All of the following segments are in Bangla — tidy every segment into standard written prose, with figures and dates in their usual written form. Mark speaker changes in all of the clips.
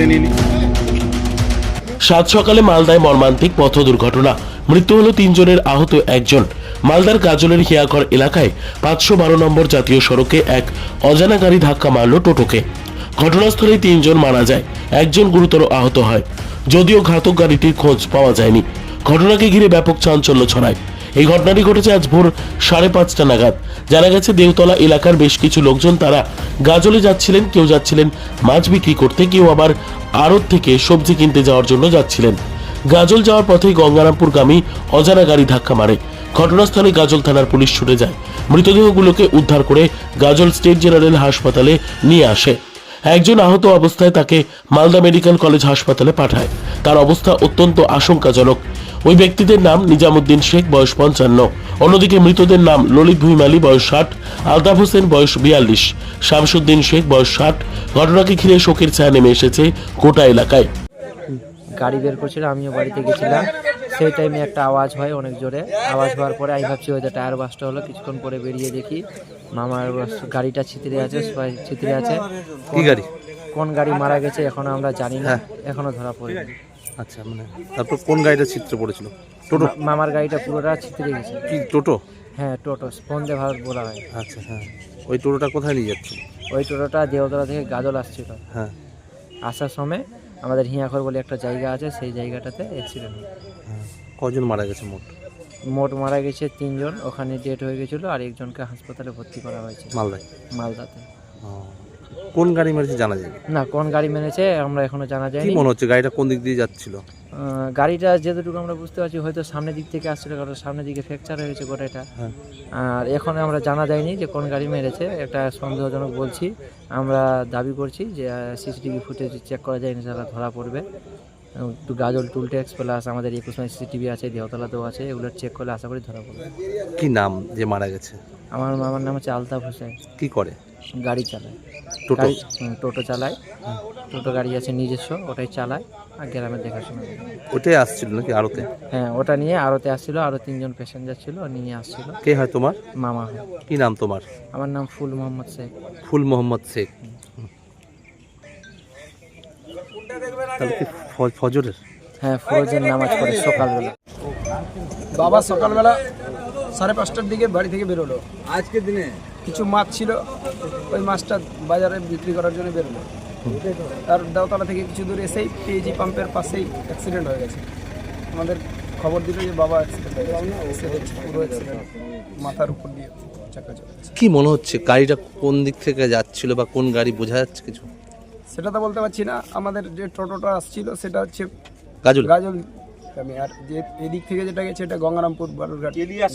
Speaker 1: মেনে নিইনি।
Speaker 2: সাত সকালে মালদায় মর্মান্তিক পথ দুর্ঘটনা, মৃত্যু হলো 3 জনের, আহত 1 জন। মালদার গাজলের হিয়াঘর এলাকায় 512 নম্বর জাতীয় সড়কে এক অজানা গাড়ি ধাক্কা মারল টোটোকে। ঘটনাস্থলে 3 জন মারা যায়, 1 জন গুরুতর আহত হয়। যদিও ঘাতক গাড়িটির খোঁজ পাওয়া যায়নি। ঘটনাকে ঘিরে ব্যাপক চাঞ্চল্য ছড়ায়। এই ঘটনাটি ঘটেছে আজ ভোর 5:30 নাগাদ। জানা গেছে দেওতলা এলাকার বেশ কিছু লোকজন তারা গাজলে যাচ্ছিলেন। কেউ যাচ্ছিলেন মাছ বিক্রি করতে, কেউ আবার আড়ত থেকে সবজি কিনতে যাওয়ার জন্য যাচ্ছিলেন। গাজল যাওয়ার পথেই গঙ্গারামপুরগামী অজানা গাড়ি ধাক্কা মারে। ঘটনাস্থলে গাজল থানার পুলিশ ছুটে যায়। মৃতদেহগুলোকে উদ্ধার করে গাজল স্টেট জেনারেল হাসপাতালে নিয়ে আসে। 1 জন আহত অবস্থায় তাকে মালদা মেডিকেল কলেজ হাসপাতালে পাঠায়। তার অবস্থা অত্যন্ত আশঙ্কাজনক। ওই ব্যক্তিদের নাম নিজামুদ্দিন শেখ, বয়স 55। অন্যদিকে মৃতদের নাম ললিত ভুইমালি, বয়স 60, আলতাফ হোসেন, বয়স 42, শামসুদ্দিন শেখ, বয়স 60। ঘটনাকে ঘিরে শোকের ছায়া নেমে এসেছে গোটা এলাকায়।
Speaker 3: গাড়ি বের করছিল, আমিও বাড়িতে গেছিলাম। সেই টাইমে একটা আওয়াজ হয়, অনেক জোরে আওয়াজ হওয়ার পরে আমি ভাবছি হয়তো টায়ার বাসটা হলো। কিছুক্ষণ পরে বেরিয়ে দেখি মামার গাড়িটা ছিতরে আছে, সবাই ছিতরে আছে।
Speaker 1: কি গাড়ি?
Speaker 3: কোন গাড়ি মারা গেছে এখনো আমরা জানি না, এখনো ধরা পড়েনি।
Speaker 1: আচ্ছা, মানে তারপর কোন গাড়িটা ছিটতে পড়েছিল? টোটো?
Speaker 3: মামার গাড়িটা পুরোটা ছিতরে গেছে।
Speaker 1: কি টোটো?
Speaker 3: হ্যাঁ, টোটো, বন্দে ভারত বলা হয়।
Speaker 1: আচ্ছা, হ্যাঁ। ওই টোটোটা কোথায় নিয়ে যাচ্ছিল?
Speaker 3: ওই টোটোটা দেওতলা থেকে গাজল আসছিল।
Speaker 1: হ্যাঁ।
Speaker 3: আসার সময় আমাদের হিয়াঘর বলে একটা জায়গা আছে, সেই জায়গাটাতে অ্যাক্সিডেন্ট হয়।
Speaker 1: কজন মারা গেছে মোট?
Speaker 3: মোট মারা গেছে 3 জন, ওখানে ডেট হয়ে গেছিলো, আর একজনকে হাসপাতালে ভর্তি করা হয়েছে মালদাতে।
Speaker 1: কোন গাড়ি মেরেছে জানা যায়
Speaker 3: না, কোন গাড়ি মেরেছে আমরা এখনো জানা যায়নি।
Speaker 1: কি মনে হচ্ছে গাড়িটা কোন দিক দিয়ে যাচ্ছিল?
Speaker 3: গাড়িটা যেটুকু আমরা বুঝতে পারছি হয়তো সামনের দিক থেকে আসছিল, কারণ সামনের দিকে ফ্র্যাকচার হয়েছে গোটাটা। আর এখন আমরা জানা যায়নি যে কোন গাড়ি মেরেছে। একটা সন্দেহজনক বলছি, আমরা দাবি করছি যে সিসিটিভি ফুটেজ চেক করা যায়, ইনশাআল্লাহ ধরা পড়বে। গাজল টুল ট্যাক্স প্লাস আমাদের 21 মাইল সিসিটিভি আছে, দেওতলাতেও আছে, এগুলো চেক করলে আশা করি ধরা পড়বে।
Speaker 1: কি নাম যে মারা গেছে?
Speaker 3: আমার মামার নাম হচ্ছে আলতাফ হোসেন।
Speaker 1: কি করে?
Speaker 3: গাড়ি চালায়,
Speaker 1: টোটো?
Speaker 3: টোটো চালায়। টোটো গাড়ি আছে নিজস্ব, ওটাই চালায় আর গ্রামের দেখাশোনা।
Speaker 1: ওটাই আসছিল নাকি আড়তে?
Speaker 3: হ্যাঁ, ওটা নিয়ে আড়তে আসছিল, আরো 3 জন প্যাসেঞ্জার ছিল, নিয়ে আসছিল।
Speaker 1: কে হয় তোমার?
Speaker 3: মামা হয়।
Speaker 1: কি নাম তোমার?
Speaker 3: আমার নাম ফুল মোহাম্মদ শেখ।
Speaker 1: ফুল মোহাম্মদ শেখ। তাহলে কি ফজরের?
Speaker 3: হ্যাঁ, ফজরের নামাজ পড়ে সকালবেলা।
Speaker 4: বাবা সকালবেলা 5:30টার দিকে বাড়ি থেকে বেরোলো।
Speaker 5: আজকের দিনে
Speaker 4: কিছু মাছ ছিল, ওই মাছটা বাজারে বিক্রি করার জন্য বেরোলো। তার দেওতলা থেকে কিছু দূরে এসেই পিএজি পাম্পের পাশেই অ্যাক্সিডেন্ট হয়ে গেছে। আমাদের খবর দিল যে বাবা অ্যাক্সিডেন্ট হয়ে গেছে। পুরো অ্যাক্সিডেন্ট, মাথার উপর দিয়ে চাকা চলে গেছে।
Speaker 1: কি মনে হচ্ছে গাড়িটা কোন দিক থেকে যাচ্ছিল বা কোন গাড়ি বোঝা যাচ্ছে কিছু?
Speaker 4: সেটা তো বলতে পারছি না। আমাদের যে টোটোটা আসছিল সেটা হচ্ছে
Speaker 1: গাজল।
Speaker 4: গাজল গ্রামে, আর যে এদিক থেকে যেটা গেছে এটা গঙ্গারামপুর বালুরঘাট।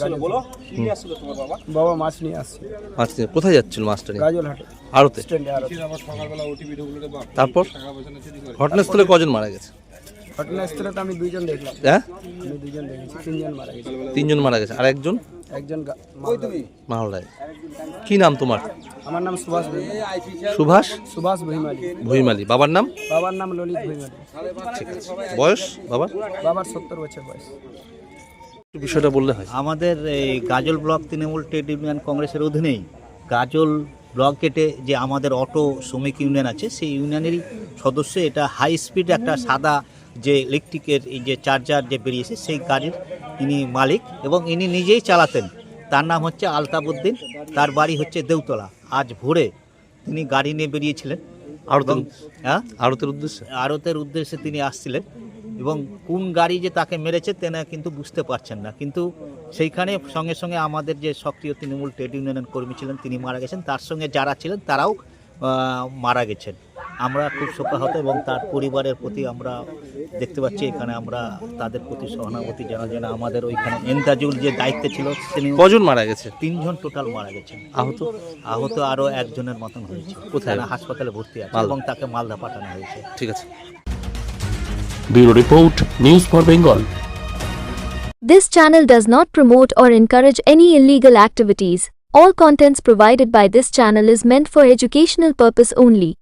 Speaker 4: বাবা মাছ নিয়ে আসছিল।
Speaker 1: মাছ নিয়ে কোথায় যাচ্ছিল মাছটা নিয়ে?
Speaker 4: গাজল হাটে
Speaker 1: আড়তে।
Speaker 4: স্ট্যান্ডে আড়তে।
Speaker 1: তারপর ঘটনাস্থলে কজন মারা গেছে?
Speaker 4: ঘটনাস্থলে তো আমি 2 জন দেখলাম।
Speaker 1: হ্যাঁ,
Speaker 4: আমি 2 জন দেখেছি, 3 জন মারা গেছে।
Speaker 1: 3 জন মারা গেছে, আর একজন
Speaker 4: একজন
Speaker 1: মালদায়। কি নাম তোমার?
Speaker 4: আমার নাম সুভাষ ভুইমালি।
Speaker 1: সুভাষ
Speaker 4: ভুইমালি।
Speaker 1: ভুইমালি। বাবার নাম?
Speaker 4: বাবার নাম ললিত ভুইমালি।
Speaker 1: ঠিক আছে। বয়স বাবার?
Speaker 4: বাবার 70 বছর বয়স।
Speaker 1: বিষয়টা বললে হয়।
Speaker 5: আমাদের এই গাজল ব্লক তৃণমূল ট্রেড ইউনিয়ন কংগ্রেসের অধীনেই গাজল ব্লক গেটে যে আমাদের অটো শ্রমিক ইউনিয়ন আছে, সেই ইউনিয়নেরই সদস্য। এটা হাই স্পিড একটা সাদা যে ইলেকট্রিকের এই যে চার্জার যে বেরিয়েছে, সেই গাড়ির ইনি মালিক এবং ইনি নিজেই চালাতেন। তার নাম হচ্ছে আলতাফ উদ্দিন, তার বাড়ি হচ্ছে দেওতলা। আজ ভোরে তিনি গাড়ি নিয়ে বেরিয়েছিলেন আড়তের উদ্দেশ্যে তিনি আসছিলেন, এবং কোন গাড়ি যে তাকে মেরেছে তেনা কিন্তু বুঝতে পারছেন না। কিন্তু সেইখানে সঙ্গে সঙ্গে আমাদের যে সক্রিয় তৃণমূল ট্রেড ইউনিয়নের কর্মী ছিলেন তিনি মারা গেছেন, তার সঙ্গে যারা ছিলেন তারাও মারা গেছেন। আমরা খুব শোকাহত এবং তার পরিবারের প্রতি আমরা দেখতে পাচ্ছি এখানে আমরা তাদের প্রতি সহানুভূতি জানা। আমাদের ওইখানে এন্তাজুল যে দায়িত্বে ছিল তিনি।
Speaker 1: কজন মারা গেছে?
Speaker 5: 3 জন টোটাল মারা গেছেন। আহত আরও 1 জনের মতন হয়েছে।
Speaker 1: কোথায়?
Speaker 5: হাসপাতালে ভর্তি আছে এবং তাকে মালদা পাঠানো হয়েছে।
Speaker 1: ঠিক আছে।
Speaker 2: Bureau report, news for Bengal.
Speaker 6: This channel does not promote or encourage any illegal activities. All contents provided by this channel is meant for educational purpose only.